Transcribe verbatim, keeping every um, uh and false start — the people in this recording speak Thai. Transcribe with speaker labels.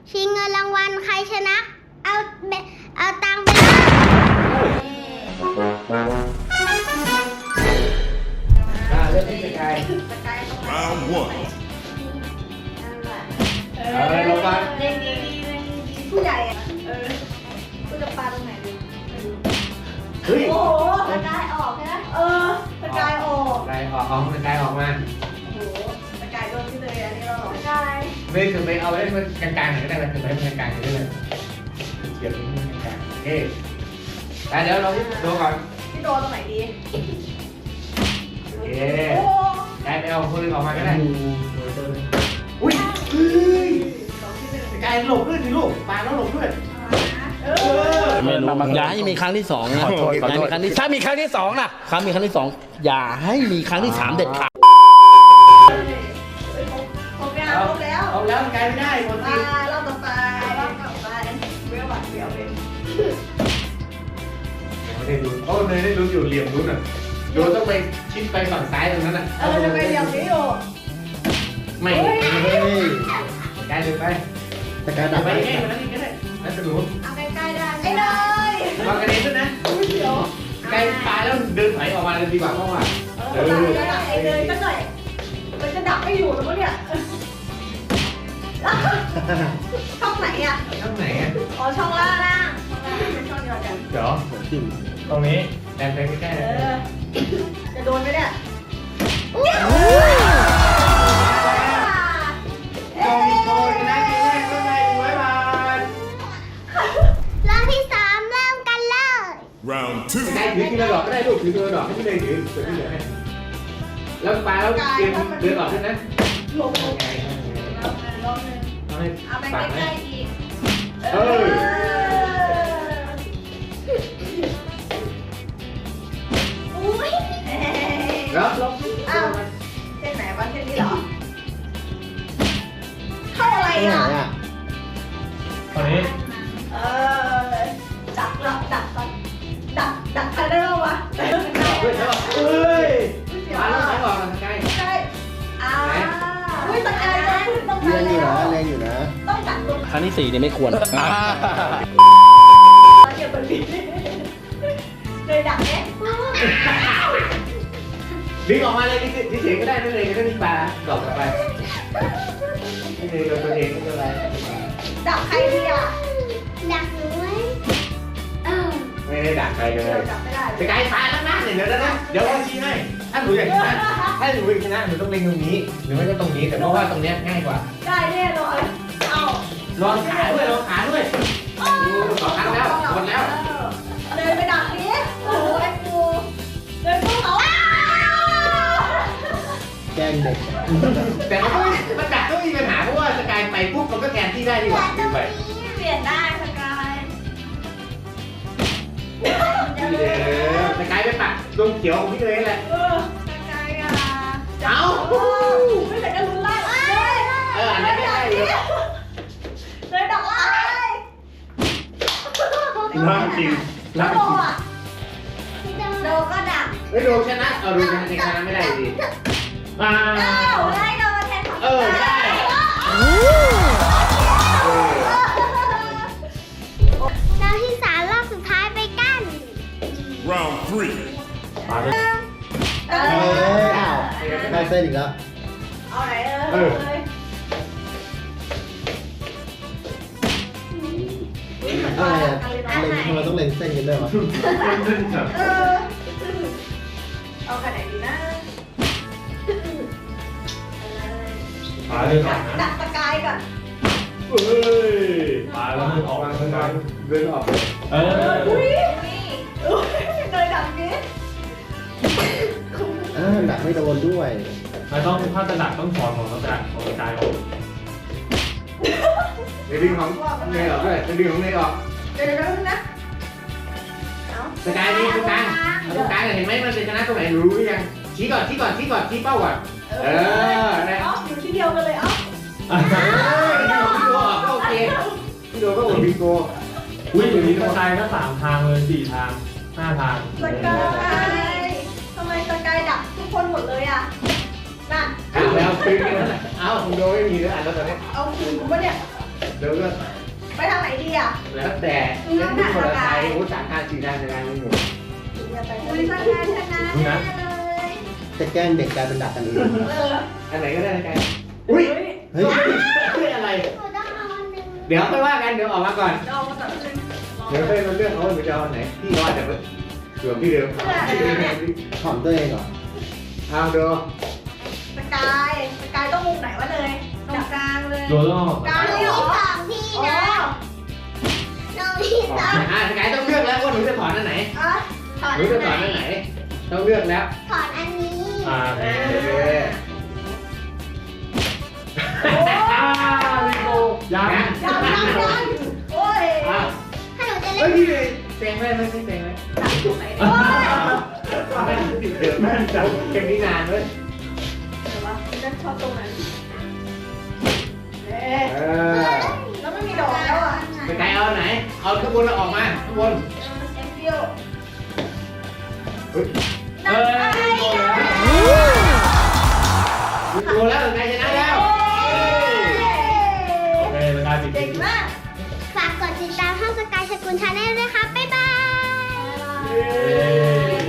Speaker 1: ชิงเงินรางวัลใครชนะเอาเอาตังค์ไปเลย
Speaker 2: อ่าเริ่มที่สกาย
Speaker 3: Round one
Speaker 2: เอาอะไรลงมา
Speaker 4: เล่นดีผู้ใหญ่อะเออกูจะปาตรงไหนดี
Speaker 2: เฮ้ย
Speaker 4: โอ้โหสกายออกใช่ไหมเออสกายออก
Speaker 2: สกายออกของสกายออกมา
Speaker 4: โอ้โหสกายโดนที่เลยอันนี้เราหรอสกาย
Speaker 2: ไม่คือไปเอาไว้มันกลางๆหน่อยก็ได้ไหมคือไปให้มันกลางๆได้เลยเฉียบนิดนึงกลางๆโอเคแต่เดี๋ยวเราดูก่อน
Speaker 4: ที่โดนตรงไหนดี
Speaker 2: โอเค
Speaker 4: โอ้
Speaker 2: ได้ไปเอาคนอื่นออกมาก็ได้อุ้ยเฮ้ย
Speaker 4: สองที่หนึ่ง
Speaker 2: สกายหลบด้วยสิลูกปาแล้วหลบด้วย
Speaker 4: เออ
Speaker 5: ไม่รู้อย่าให้มีครั้งที่สองนะ
Speaker 6: ขอโทษขอโทษ
Speaker 5: ย่าให้มีครั้งที่ถ้ามีครั้งที่สองล่ะครั้งมีครั้งที่สองอย่าให้มีครั้งที่สามเด็ดขาด
Speaker 4: ครบแล้วครบแล้ว
Speaker 2: เอาแล้วสกายไม่ได้คน
Speaker 4: มา
Speaker 2: ที่
Speaker 4: รอบต่อไปรอบต่อไปเวลบัตรเวลเป็น
Speaker 2: ไม่ได้ลุ้นโอ้เลยได้ลุ้นอยู่เหลี่ยมลุ้นอ่ะโดนต้องไปชิดไปฝั่งซ้ายตรงนั้นอ่ะ
Speaker 4: เออจะไปเรียงนี้อยู่
Speaker 2: ไม่
Speaker 5: เฮ้ย
Speaker 2: สกายเดินไป
Speaker 5: สกายดับ
Speaker 2: ไป
Speaker 5: ไป
Speaker 2: ใกล้ๆมันนั่นอีกก็ได้นั่นจะรู้
Speaker 4: เอาใกล้ๆได้ไอ้เลย
Speaker 2: วางกระเด็นด้วยนะ
Speaker 4: อุ้ยเดี๋ยว
Speaker 2: ใกล้ตายแล้วเดินถอยออกมาเลยดีกว่าเพราะว่า
Speaker 4: เออไอ้เลยก็หน่อยมันจะดับไม่อยู่แล้วมั้งเนี่ยช่องไหนอ่ะ
Speaker 2: ช่องไหนอ่ะ
Speaker 4: อ๋อช่องล่างล่างเป็นช่องเดียวกัน
Speaker 2: เดี๋ยวตรงนี้แดนไปใกล้ๆ
Speaker 4: เอ
Speaker 2: เลย
Speaker 4: อจะโดนไหมเนี่ย
Speaker 2: โดนโดนชนะเกมแรกก็ได้หนึ่งร้อยบาท
Speaker 1: รอบที่สามเริ่มกันเลย
Speaker 3: Round two
Speaker 2: ได้ถือทีละดอกก็ได้ลูกถือทีละดอกให้พี่เลยถือถือที่เหลือให้แล้วปลาแล้วเกมเดินออกด้วยนะ
Speaker 4: ลงลง
Speaker 2: ไง
Speaker 4: รอบนึงรอบนึง
Speaker 2: เอาให้
Speaker 4: เอาไป
Speaker 2: ปาก
Speaker 4: ใก
Speaker 2: ไหม
Speaker 4: ล้ๆอีก
Speaker 2: เออ
Speaker 4: อุ้ย
Speaker 2: แล้วลบ
Speaker 4: อ้าวเส้นไหนวะเส้นนี้เหรอเข้าอะไร
Speaker 5: ที่ไหน
Speaker 4: อ่ะ
Speaker 5: อ่ะ
Speaker 2: ตอนนี้
Speaker 4: เออดักดักดักก่อนดักดักใครได้บ้างวะ
Speaker 2: เฮ้ยเฮ้ยปลาแล้วไหนออกนะใกล้
Speaker 4: ใช่อ่าอุ้ยตะกายจะขึ้นตรง
Speaker 5: เรีย
Speaker 4: นั้น
Speaker 5: งอยู่
Speaker 4: แล้
Speaker 5: นะ
Speaker 4: ว
Speaker 5: เรียงอยู่นะ
Speaker 4: ต้องดักตรง
Speaker 5: ครั้งที่สี่เนี่ยไม่ควร
Speaker 4: เก็บตัวนี้เลยดักเนี่ย
Speaker 2: ดึงออกมาเลยนี่เฉยๆก็ได้นั่นเลยก็มีปลาดอกกลับไปนี่เลยโดนตัวเองไม่เป็นไร
Speaker 4: ดักใครดีอ่ะ
Speaker 1: ดักหนูไว้เออ
Speaker 2: ไม่ได้ดักใครเล
Speaker 4: เดี๋ยวย จับไม่ได้
Speaker 2: สกายปลาแล้วนะเดี๋ยวนะเดี๋ยวเราชี้ให้ถ้าหนูอยากชนะถ้าหนูอยากชนะหนูต้องเล็งตรงนี้หรือไม่ก็ตรงนี้แต่เพราะว่าตรงนี้ง่ายกว่า
Speaker 4: ได้แน่นอนเอา
Speaker 2: ลองขาด้วยลองขาด้วยดูสองครั้งแล้วหมดแล้ว
Speaker 4: เดินไปดักนี้โอ้โหไอ้กูเดินเข้าเขา
Speaker 5: แกล้งเด็ก
Speaker 2: แต่มันก็มันดักก็มีปัญหาเพราะว่าสกายไปปุ๊บมันก็แทนที่ได้ดีกว่าไป
Speaker 4: เปลี่ยนได้สกาย
Speaker 2: พี่เลยสกายไปปักตรงเขียวของพี่เลยแหละ
Speaker 4: เออสกายอ่ะ
Speaker 2: เอ้า
Speaker 4: ไม่แต่ก็ลุ้นไล่เลย
Speaker 2: เอออันนั้นไม่ได้เลย
Speaker 4: เลยดักไล่
Speaker 2: ร่างจริง
Speaker 4: แล้วโดอ่ะ
Speaker 1: พี่จะ
Speaker 4: โดก็ดัก
Speaker 2: ไม่โดนชนะเออดูชนะชนะไม่ได้ดีอ่า
Speaker 4: อ้าวได้โดนแทนของ
Speaker 2: เออได้
Speaker 1: รอบที่สามรอบสุดท้ายไปกัน
Speaker 3: Round three
Speaker 2: มาเลย
Speaker 4: เอ
Speaker 5: เอ้
Speaker 4: อย
Speaker 5: อ้าวได้เส้นอีกแล้ว
Speaker 4: เอาไหนเออ
Speaker 5: อะไรอ่ะเล็งทำไมต้องเล็งเส้นกันด้วยวะ
Speaker 4: เออเอาขนาดไหนดีนะ
Speaker 2: มาเลย
Speaker 4: ดักดักสกายก่อน
Speaker 2: เฮ้ยมาแล้วมันออกมาทางการเดินออกเออ
Speaker 4: อุ้ยอุ้ยเลยดักนี้
Speaker 5: อ่าดักไม่โดนด้วย
Speaker 6: ไม่ต้องถ้าจะดักต้องถอนของต้องดักของกายออก
Speaker 2: เดี๋ยวดึงของเนยออกด้วยเดี๋ยวดึงของเนยออก
Speaker 4: เดี๋ยวเดี๋ยวนะเอา
Speaker 2: สกายนี่ตรงกลางตรงกลางเห็นไหมมันจะชนะตรงไหนรู้หรือยังชี้ก่อนชี้ก่อนชี้ก่อนชี้เป้าก่อนเออนะ
Speaker 4: เอาอยู่ที่เดียวกันเลยเอา
Speaker 2: พี่โดพี่โดออกก็โอเคพี่โดก็โอดบิงโก
Speaker 6: อุ้ยอย่างนี้กระจายก็สามทางเลยสี่ทางห้าทาง
Speaker 4: สกายทำไมสกายดักทุกคนหมดเลยอ่ะนั่น
Speaker 2: อ้าวแล้วคืนกันนั่นแหละอ้าวคุณโดไม่มีแล้วอ่านแล้วตอนนี้
Speaker 4: เอาคืนกูปะเนี่ย
Speaker 2: เดี๋ยวก็
Speaker 4: ไปทางไหนดีอ่ะ
Speaker 2: แล้วแต่เล่นทุกคนละไทยโอ้สามทางสี่ทางในงานไม่หมด
Speaker 4: อุ้ยชนะชนะแน่เลย
Speaker 5: จะแกล้งเด็กกลายเป็นดักกันเอง
Speaker 4: เออ
Speaker 2: อันไหนก็ได้นะกันอุ้ย
Speaker 5: เฮ้ย
Speaker 2: เฮ้ยอะไร
Speaker 1: หนูต้องเอาอันหนึ่ง
Speaker 2: เดี๋ยวค่อยว่ากันเดี๋ยวออกมาก่อน
Speaker 4: เรามาตัดเลย
Speaker 2: เดี๋ยวค่อยมาเลือกเอาว่าจะเอาอันไหนพี่รอดแต่ว่าเกือบพี่เดิม
Speaker 5: ถอมตัวเองเหรอ
Speaker 2: เอาดู
Speaker 4: สกายสกายต้องมุมไหนวะเลยตรงกลางเลย
Speaker 6: โดนต้อง
Speaker 4: กลาง
Speaker 1: หนู
Speaker 4: เลย
Speaker 1: มี
Speaker 4: เหรอ
Speaker 1: สองที่
Speaker 4: อ๋อ
Speaker 1: นะหนูมีสอง
Speaker 2: อ่าสกายต้องเลือกแล้วว่าหนูจะถอนอันไหน
Speaker 4: อ่ะถอด
Speaker 2: หนูจะถอนอันไหน ต้องเลือกแล้ว
Speaker 1: ถอนอันนี้
Speaker 6: อ่า
Speaker 2: เออ
Speaker 6: ลิโกยัง
Speaker 2: นะ
Speaker 4: ยังยังยังโอ้ย
Speaker 2: อ่ะ
Speaker 1: ถ้าหนูจะเล่
Speaker 2: เฮ้ย
Speaker 1: น
Speaker 2: พี่เต็งไหมไม่ใช่เต็งไหม
Speaker 4: ตรงไหนดีวะ
Speaker 2: ไม่ติดเดิมแม่จังเก่งนี่นานเว้ย
Speaker 4: เดี๋ยววะฉันชอบตรงนั้นเอ๊ะ
Speaker 2: เออ
Speaker 4: แล้วไม่มีดอกแล้วอ่ะ
Speaker 2: สกายเอาอันไหน เอาข้างบนแล้วออกมาข้างบน
Speaker 4: เอ็มเปียว
Speaker 2: เฮ้ย
Speaker 6: เอ้ยโดนแล้ว
Speaker 2: ดูแล้วสกายชนะแล้ว
Speaker 6: โอเคสกายปิด
Speaker 4: เก่งมาก
Speaker 1: ฝากกดติดตามช่องสกายสกุลชาแนลด้วยค่ะ บ๊าย